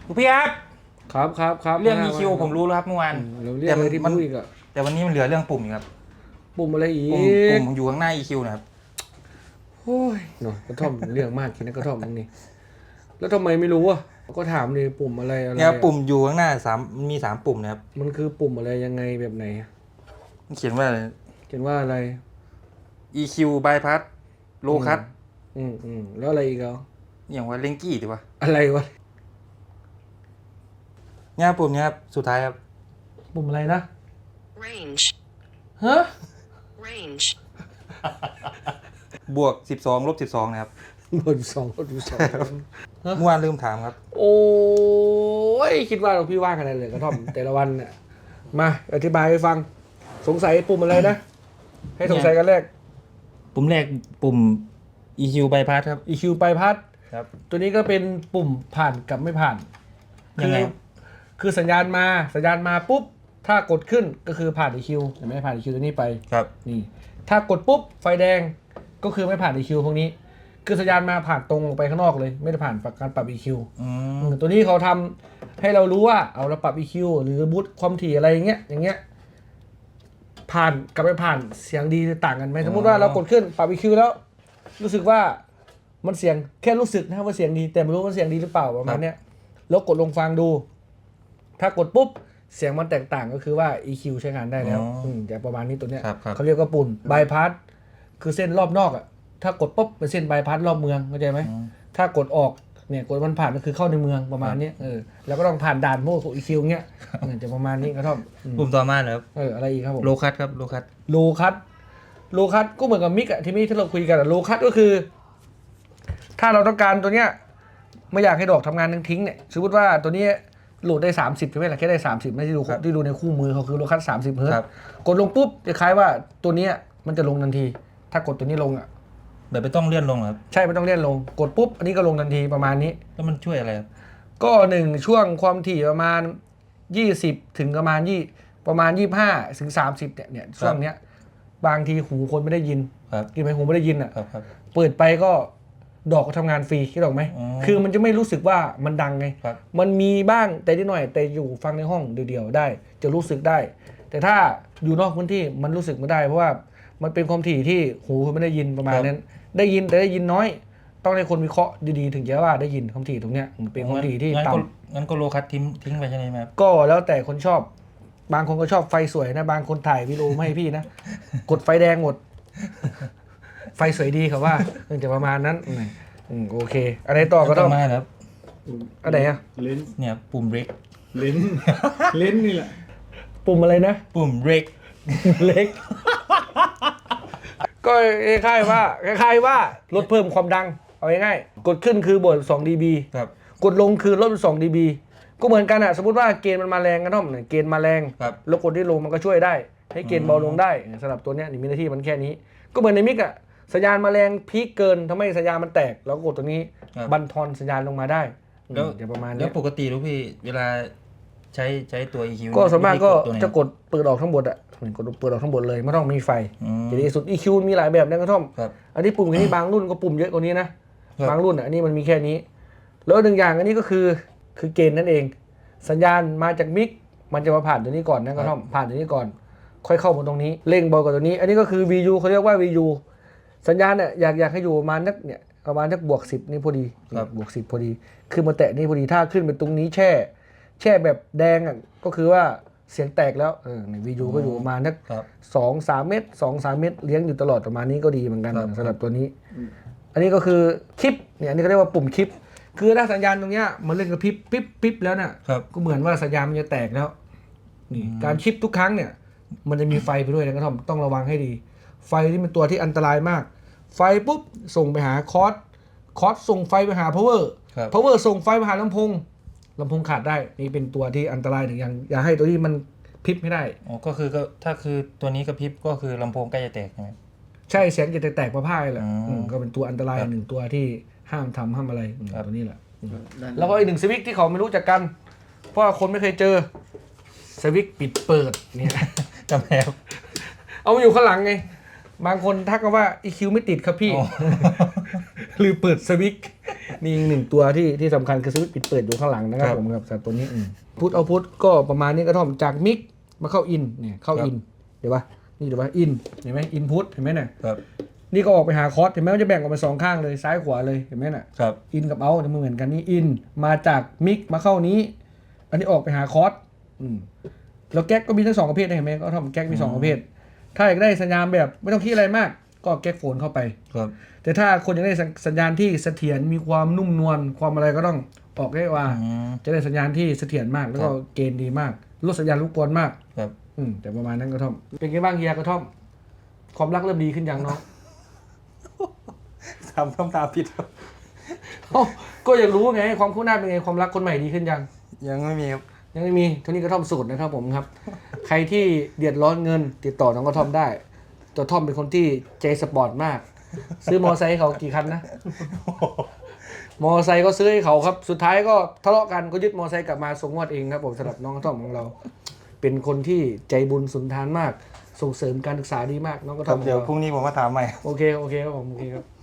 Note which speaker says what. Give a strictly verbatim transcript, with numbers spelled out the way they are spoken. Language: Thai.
Speaker 1: พี่ครับ
Speaker 2: ครับครับครับ
Speaker 1: เรื่อง อี คิว ผมรู้แล้วครับเมื่อวาน
Speaker 2: เราเรียกอะไรที่พูดอีกอะ
Speaker 1: แต่วันนี้มันเหลือเรื่องปุ่มอีกครับ
Speaker 2: ปุ่มอะไรอีก
Speaker 1: ปุ่มปุ่มอยู่ข้างหน้า อี คิว นะครับ
Speaker 2: โอ้ยหน่อยกระท่อมเรื่องมากคิดนะกระท่อมมึงนี่แล้วทำไมไม่รู้อ่ะก็ถามเลยปุ่มอะไรอะไร
Speaker 1: เนี่ยปุ่มอยู่ข้างหน้าสามมีสามปุ่มนะครับ
Speaker 2: มันคือปุ่มอะไรยังไงแบบไหน
Speaker 1: มันเขียนว่าอะไร
Speaker 2: เขียนว่าอะไร
Speaker 1: อี คิว bypass low cut
Speaker 2: อืมอืมแล้วอะไรอีกอ่ะ
Speaker 1: อย่างว่าเลงกี้ถูกปะ
Speaker 2: อะไรวะ
Speaker 1: เนี่ยปุ่มเนี้ยครับสุดท้ายครับ
Speaker 2: ปุ่มอะไรนะ
Speaker 3: range
Speaker 2: ฮะ
Speaker 3: range
Speaker 1: บวกสิบสองลบสิบสองนะครับ
Speaker 2: บนสองบนสอง
Speaker 1: เมื่อวานลืมถามครับ
Speaker 2: โอ้ยคิดว่าเราพี่ว่ากันเลยกระท่อม แต่ละวันเนี่ยมาอธิบายให้ฟังสงสัยปุ่มอะไรนะให้สงสัยกันแรก
Speaker 1: ปุ่มแรกปุ่ม อี คิว bypass ครับ
Speaker 2: อี คิว ไปพัด
Speaker 1: ครับ
Speaker 2: ตัวนี้ก็เป็นปุ่มผ่านกับไม่ผ่าน
Speaker 1: ยังไง
Speaker 2: คือคือสัญญาณมาสัญญาณมาปุ๊บถ้ากดขึ้นก็คือผ่าน อี คิว แต่ไม่ผ่าน อี คิว ตัวนี้ไป
Speaker 1: ครับ
Speaker 2: นี่ถ้ากดปุ๊บไฟแดงก็คือไม่ผ่าน อี คิว พวกนี้คือสัญญาณมาผ่านตรงออกไปข้างนอกเลยไม่ได้ผ่านการปรับ อี คิว
Speaker 1: อืม
Speaker 2: อืมตัวนี้เขาทำให้เรารู้ว่าเอาเราปรับ อี คิว หรือบูตความถี่อะไรอย่างเงี้ยอย่างเงี้ยผ่านกับไม่ผ่านเสียงดีต่างกันไหมสมมติว่าเรากดขึ้นปรับ อี คิว แล้ว รู้สึกว่ามันเสียงแค่รู้สึกนะว่าเสียงดีแต่ไม่รู้ว่าเสียงดีหรือเปล่าประมาณเนี้ยแล้วกดลงฟังดู ถ้ากดปุ๊บเสียงมันแตกต่างก็คือว่า อี คิว ใช้งานได้แล้วมจะประมาณนี้ตัวเนี้ย
Speaker 1: ครับครับ
Speaker 2: เขาเรียกว่าปุ่นบายพาสคือเส้นรอบนอกอ่ะถ้ากดปุ๊บเป็นเส้นบายพาสรอบเมืองเข้าใจไหมถ้ากดออกเนี่ยกดมันผ่านก็คือเข้าในเมืองประมาณนี้เออแล้วก็ต้องผ่านด่านพวก อี คิว เงี้ยเออจะประมาณนี้ก็ต้องอืม
Speaker 1: ปุ่มต่อมาเหรอครับ
Speaker 2: เอออะไรอีกครับผม
Speaker 1: โลคัตครับโลคัต
Speaker 2: โลคัตโลคัตก็เหมือนกับมิกอะที่มีที่เราคุยกันอะโลคัตก็คือ ถ้าเราต้องการตัวเนี้ยไม่อยากให้ดอกทำงานทิ้งๆเนี่ยสมมติว่าตัวนี้โหลดได้สามสิบใช่ไหมล่ะแค่ได้สามสิบไม่ที่ดูที่ดูในคู่มือเขาคือโลคัตสามสิบเฮิร์ตซ์กดลงปุ๊บจะคล้ายว่าตัวเนี้ยมันจะลงทันที ถ้ากดตัวนี้ลงอ่ะ
Speaker 1: แบบไม่ต้องเลื่อนลงเหรอครับ
Speaker 2: ใช่ไม่ต้องเลื่อนลงกดปุ๊บอันนี้ก็ลงทันทีประมาณนี้
Speaker 1: แล้วมันช่วยอะไรครับ
Speaker 2: ก็หนึ่งช่วงความถี่ประมาณยี่สิบถึงประมาณยี่ประมาณยี่สิบห้าถึงสามสิบเนี่ยเนี่ยช่วงเนี้ยบางทีหูคนไม่ได้ยิน
Speaker 1: ครับ
Speaker 2: กินไปหูไม่ได้ยินอ่ะ
Speaker 1: ครับครับ
Speaker 2: เปิดไปก็ดอกก็ทำงานฟรีคิดออกไหม
Speaker 1: อ๋อ
Speaker 2: คือมันจะไม่รู้สึกว่ามันดังไง
Speaker 1: ครับ
Speaker 2: มันมีบ้างแต่นิดหน่อยแต่อยู่ฟังในห้องเดียวๆได้ จะรู้สึกได้ แต่ถ้าอยู่นอกพื้นที่มันรู้สึกไม่ได้เพราะว่ามันเป็นความถี่ที่หูคุณไม่ได้ยินประมาณนั้น ได้ยินแต่ได้ยินน้อย ต้องให้คนวิเคราะห์ดีๆถึงจะว่าได้ยินความถี่ตรงเนี้ยมันเป็นความถี่ที่
Speaker 1: งั้น
Speaker 2: ต่ำ
Speaker 1: ก็งั้นก็โลคัตทิ้งทิ้งไปใช่ไหมครับ
Speaker 2: ก็แล้วแต่คนชอบ บางคนก็ชอบไฟสวยนะ บางคนถ่ายวิดีโอไม่ให้พี่นะ กดไฟแดงหมด ไฟสวยดีครับว่าจะประมาณนั้นอืมโอเค อะไรต่อก็ต้อง
Speaker 1: มาครับ
Speaker 2: อะไรอะ
Speaker 4: เลนส์
Speaker 1: เนี่ยปุ่มเบรก
Speaker 4: เลนส์ เลนส์นี่แหละ
Speaker 2: ปุ่มอะไรนะ
Speaker 1: ปุ่มเบรก
Speaker 2: เล็ก ก็คล้ายๆว่าคล้ายๆว่าลดเพิ่มความดัง เอาง่ายๆกดขึ้นคือบวกสองดีบี
Speaker 1: ครับ
Speaker 2: กดลงคือลดสองดีบีก็เหมือนกันอะสมมติว่าเกณฑ์มันมาแรงกันท่อมเนี่ยเกณฑ์มาแรง
Speaker 1: ครับ
Speaker 2: แล้วกดที่ลงมันก็ช่วยได้ ให้เกณฑ์เบาลงได้สำหรับตัวเนี้ยนี่มีหน้าที่มันแค่นี้ ก็เหมือนในมิกอะสัญญาณมาแรงพีคเกินทำให้สัญญาณมันแตก แล้วก็กดตัวนี้
Speaker 1: ครับ
Speaker 2: บันทอนสัญญาณลงมาได้
Speaker 1: แล้ว
Speaker 2: อืมจะประมาณ
Speaker 1: แล้
Speaker 2: เนี้
Speaker 1: วย ปกติลูกพี่เวลาใช้ใช้ตัว อี คิว
Speaker 2: ก็ส่วนมากก็
Speaker 1: ตัวไหน
Speaker 2: จะกดเปิดออกทั้งหมดอะเหมือนกดเปิดออกทั้งหมดเลยไม่ต้องมีไฟ
Speaker 1: อืม
Speaker 2: จะดีสุด อี คิว มีหลายแบบนะกระท่อม
Speaker 1: ครับ
Speaker 2: อันนี้ปุ่มแค่นี้บางรุ่นก็ปุ่มเยอะกว่านี้นะครับ บางรุ่นอ่ะอันนี้มันมีแค่นี้ แล้วหนึ่งอย่างอันนี้ก็คือคือเกณฑ์นั่นเอง สัญญาณมาจากมิกมันจะมาผ่านตัวนี้ก่อนนะกระท่อมผ่านตัวนี้ก่อน ค่อยเข้ามาตรงนี้เร่งเบากว่าตัวนี้ อันนี้ก็คือ วี ยู เขาเรียกว่า วี ยู สัญญาณเนี่ยอยากอยากให้อยู่ประมาณนักเนี่ยประมาณนักบวกสิบนี่พอดี
Speaker 1: ครับ
Speaker 2: บวกสิบพอดีคือมาแตะนี่พอดีถ้าขึ้นไปตรงนี้แช่ แช่แบบแดงอ่ะก็คือว่าเสียงแตกแล้วเออใน วี ยู ก็อยู่ประมาณนัก
Speaker 1: ครับ
Speaker 2: สองสามเมตรสองสามเมตรเลี้ยงอยู่ตลอดประมาณนี้ก็ดีเหมือนกัน
Speaker 1: ครับ
Speaker 2: สำหรับตัวนี้ อันนี้ก็คือคลิปเนี่ยอันนี้ก็เรียกว่าปุ่มคลิป คือถ้าสัญญาณตรงเนี้ยมันเล่นกับพริบปิ๊บปิ๊บแล้วเนี่ย
Speaker 1: ครับ
Speaker 2: ก็เหมือนว่าสัญญาณมันจะแตกแล้วนี่การคลิปทุกครั้งเนี่ย มันจะมีไฟไปด้วยนะกระท่อมต้องระวังให้ดี ไฟที่เป็นตัวที่อันตรายมาก ไฟปุ๊บส่งไปหาคอร์สคอร์สส่งไฟไปหา power
Speaker 1: ครับ
Speaker 2: power ส่งไฟไปหาลำโพงลำโพงขาดได้นี่เป็นตัวที่อันตรายหนึ่งอย่างอย่าให้ตัวที่มันพริบไม่ได้
Speaker 1: อ๋อก็คือก็ถ้าคือตัวนี้กระพริบก็คือลำโพงใกล้จะแตกใช่ไหม
Speaker 2: ใช่เสียงจะแตกๆพ่ายๆแหละ
Speaker 1: อืม
Speaker 2: อืมก็เป็นตัวอันตราย
Speaker 1: ครับ
Speaker 2: หนึ่งตัวที่ห้ามทำห้ามอะไรอืม
Speaker 1: ครับ
Speaker 2: ตัวนี้แหละอืม
Speaker 4: ด้าน
Speaker 2: แล้วก็อีกหนึ่งสวิตช์ที่เขาไม่รู้จักกัน เพราะว่าคนไม่เคยเจอสวิตช์ปิดเปิดเนี่ย
Speaker 1: จำแล้ว
Speaker 2: เอามาอยู่ข้างหลังไง บางคนทักกันว่า อี คิว ไม่ติดครับพี่
Speaker 1: อ๋อ
Speaker 2: หรือเปิดสวิตช์มีอีกหนึ่งตัวที่ที่สำคัญคือสวิตช์ปิดเปิดอยู่ข้างหลังนะครับ
Speaker 1: ครับ
Speaker 2: ผมครับสำหรับตัวนี้พุทเอาพุทก็ประมาณนี้กระท่อมจากมิกมาเข้าอินเนี่ยเข้า
Speaker 1: ครับ
Speaker 2: อินเดี๋ยวปะนี่เดี๋ยวปะอินเห็นไหมอินพุทเห็นไหมเนี่ย
Speaker 1: ครับ
Speaker 2: นี่ก็ออกไปหาคอร์สเห็นไหมมันจะแบ่งออกเป็นสองข้างเลยซ้ายขวาเลยเห็นไหมน่ะ
Speaker 1: ครับ
Speaker 2: อินกับเอาจะเหมือนกันนี่อินมาจากมิกมาเข้านี้ อันนี้ออกไปหาคอร์สอืมแล้วแก๊กก็มีทั้งสองประเภทนะเห็นไหมก็ทำแก๊กมีสองประเภท ถ้าอยากได้สัญญาณแบบไม่ต้องคิดอะไรมาก ก็แก๊กโฟนเข้าไป
Speaker 1: ครับ
Speaker 2: แต่ถ้าคนอยากได้สัญญาณที่เสถียรมีความนุ่มนวลความอะไรก็ต้องออกได้ว่า
Speaker 1: อืม
Speaker 2: จะได้สัญญาณที่เสถียรมากแล้วก็
Speaker 1: ครับ
Speaker 2: เกณฑ์ดีมากลดสัญญาณรบกวนมาก
Speaker 1: ครับ
Speaker 2: อืมแต่ประมาณนั้นกระท่อมเป็นไงบ้างเฮียกระท่อม ความรักเริ่มดีขึ้นยังเนาะ
Speaker 1: ทำทำตามผิดครับ
Speaker 2: เอ้าก็อยากรู้ไงความคู่หน้าเป็นไงความรักคนใหม่ดีขึ้นยัง
Speaker 1: ยังไม่มีครับ
Speaker 2: ยังไม่มีเท่านี้กระท่อมสูตรนะครับผมครับ ใครที่เดือดร้อนเงิน ติดต่อน้องกระท่อมได้ตัวท่อมเป็นคนที่ใจสปอร์ตมาก ซื้อมอไซค์ให้เขากี่คันนะ มอไซค์ก็ซื้อให้เขาครับ สุดท้ายก็ทะเลาะกันก็ยึดมอไซค์กลับมาส่งงวดเองครับผมสำหรับน้องกระท่อมของเรา เป็นคนที่ใจบุญสุนทานมาก ส่งเสริมการศึกษาดีมากน้องกระ
Speaker 1: ค
Speaker 2: ท่
Speaker 1: รั
Speaker 2: อบ มของ
Speaker 1: เดี๋ยว
Speaker 2: เรา
Speaker 1: พรุ่งนี้ผมมาถามใหม่
Speaker 2: โอเคโอเคครับผมโอเคครับ